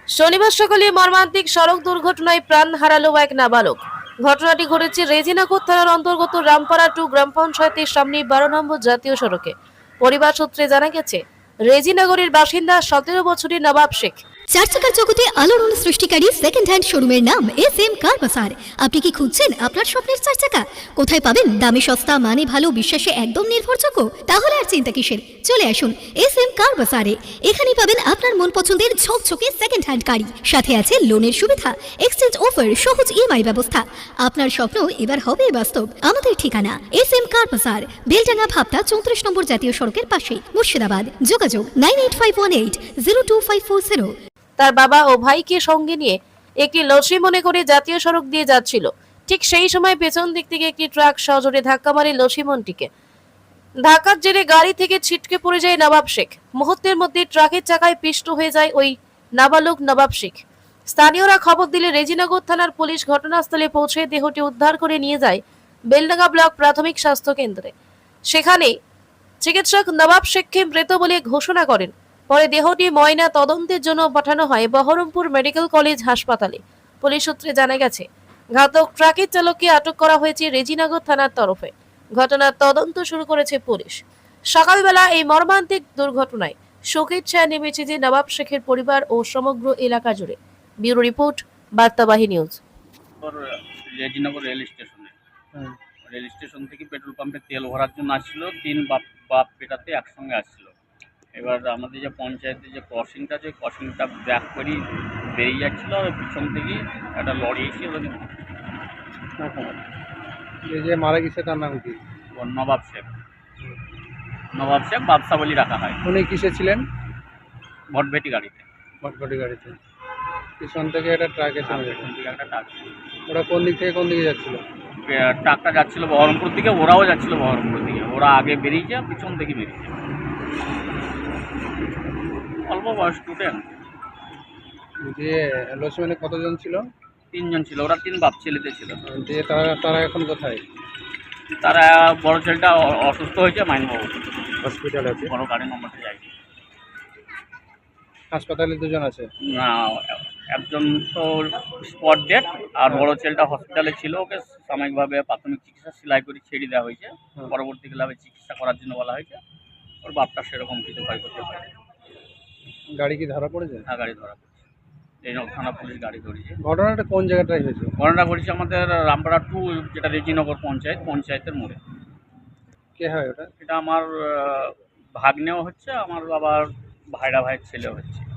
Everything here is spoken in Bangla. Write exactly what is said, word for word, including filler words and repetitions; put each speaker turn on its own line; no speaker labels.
শনিবার সকালে মর্মান্তিক সড়ক দুর্ঘটনায় প্রাণ হারালো এক নাবালক। ঘটনাটি ঘটেছে রেজিনাগর থানার অন্তর্গত রামপাড়া টু গ্রাম পঞ্চায়েতের সামনে বারো নম্বর জাতীয় সড়কে। পরিবার সূত্রে জানা গেছে, রেজিনগরের বাসিন্দা সতেরো বছরের নবাব শেখ।
চার চাকার জগতে আলোড়ন সৃষ্টিকারী সেকেন্ড হ্যান্ড শোরুমের নাম এস এম কার বাজার। আপনি কি খুঁজছেন আপনার স্বপ্নের চার চাকা? কোথায় পাবেন দামে সস্তা, মানে ভালো, বিশ্বাসে একদম নির্ভরযোগ্য? তাহলে আর চিন্তা কিসের, চলে আসুন এস এম কার বাজারে। এখানেই পাবেন আপনার মন পছন্দের ঝকঝকে সেকেন্ড হ্যান্ড গাড়ি, সাথে আছে লোনের সুবিধা, এক্সচেঞ্জ অফার, সহজ ইএমআই ব্যবস্থা। আপনার স্বপ্ন এবার হবে বাস্তব। আমাদের ঠিকানা এস এম কার বাজার, বেলডাঙ্গা ভাবতা চৌত্রিশ নম্বর জাতীয় সড়কের পাশে, মুর্শিদাবাদ। যোগাযোগ nine eight five one eight zero two five four zero.
তার বাবা ও ভাইকে সঙ্গে নিয়ে একটি লসি মনে করে জাতীয় সড়ক দিয়ে যাচ্ছিল। ঠিক সেই সময় পেছন দিক থেকে একটি ট্রাক সজোরে ধাক্কা মারে লসিমনটিকে। ধাক্কার জেরে গাড়ি থেকে ছিটকে পড়ে যায় নবাব শেখ। মুহূর্তের মধ্যে ট্রাকের চাকায় পিষ্ট হয়ে যায় ওই নাবালক নবাব শেখ। স্থানীয়রা খবর দিলে রেজিনগর থানার পুলিশ ঘটনাস্থলে পৌঁছে দেহটি উদ্ধার করে নিয়ে যায় বেলডাঙ্গা ব্লক প্রাথমিক স্বাস্থ্য কেন্দ্রে। সেখানে চিকিৎসক নবাব শেখকে মৃত বলে ঘোষণা করেন। পরে দেহটি ময়না তদন্তের জন্য পাঠানো হয় বহরমপুর মেডিকেল কলেজ হাসপাতালে। পুলিশ সূত্রে জানা গেছে, ঘাতক ট্রাকের চালককে আটক করা হয়েছে রেজিনগর থানার তরফে। ঘটনার তদন্ত শুরু করেছে পুলিশ। সকালবেলা এই মর্মান্তিক দুর্ঘটনায় শোকের ছায়া নেমেছে যে নবাব শেখের পরিবার ও সমগ্র এলাকা জুড়ে। Bureau report, Bartabahi news.
Rejinagar rail স্টেশনে রেল স্টেশন থেকে পেট্রোল পাম্পে তেল ভরার জন্য আসছিল। তিন বাপ বাপ বেটাতে একসঙ্গে আসছিল। এবার আমাদের যে পঞ্চায়েতের যে ক্রসিংটা আছে, ক্রসিংটা ব্যাক করি বেরিয়ে যাচ্ছিলো, আর পিছন থেকে একটা লরি এসে ওদের
এই যে মারা গেছে তার নাম কি?
নবাব শেখ। নবাব শেখ বাদশা বলি রাখা হয়।
উনি কিসে ছিলেন?
ভটভেটি গাড়িতে।
ভটভটি গাড়িতে। পিছন থেকে একটা ট্রাক এসে মেরেছে।
পিছন থেকে একটা ট্রাক।
ওরা কোন দিক থেকে কোন দিকে যাচ্ছিল?
ট্রাকটা যাচ্ছিল বহরমপুর দিকে, ওরাও যাচ্ছিল বহরমপুর দিকে। ওরা আগে বেরিয়েছে, পিছন থেকে বেরিয়েছে। অল্প বয়স স্টুডেন্ট।
দিয়ে লক্ষ্মণে কতজন ছিল?
তিনজন ছিল। ওরা তিন বাপ ছেলেতে ছিল।
দিয়ে তারা তারা এখন কোথায়?
তারা বড় ছেলেটা অসুস্থ হয়েছে, মাইনবাবু
হসপিটাল আছে।
বড় গাড়ি নম্বরটা যায়নি।
হাসপাতালে দুজন আছে।
না, একজন তো স্পট ডেট, আর বড় ছেলেটা হসপিটালে ছিল। ওকে সাময়িকভাবে প্রাথমিক চিকিৎসা সেলাই করে ছেড়ে দেওয়া হয়েছে। পরবর্তীকালে চিকিৎসা করার জন্য বলা হয়েছে। ওর বাপটা সেরকম কিছু ক্ষয় করতে পারে।
গাড়ি কি ধরা পড়েছে?
হ্যাঁ, গাড়ি ধরা পড়েছে। এই থানা পুলিশ গাড়ি ধরেছে।
ঘটনাটা কোন জায়গাটায় হয়েছে?
ঘটনাটা ঘটেছে আমাদের রামপাড়া টু, যেটা রেজিনগর পঞ্চায়েত, পঞ্চায়েতের মোড়ে।
কে হয় ওটা?
এটা আমার ভাগ্নেও হচ্ছে, আমার বাবার ভাইরা ভাইয়ের ছেলেও হচ্ছে।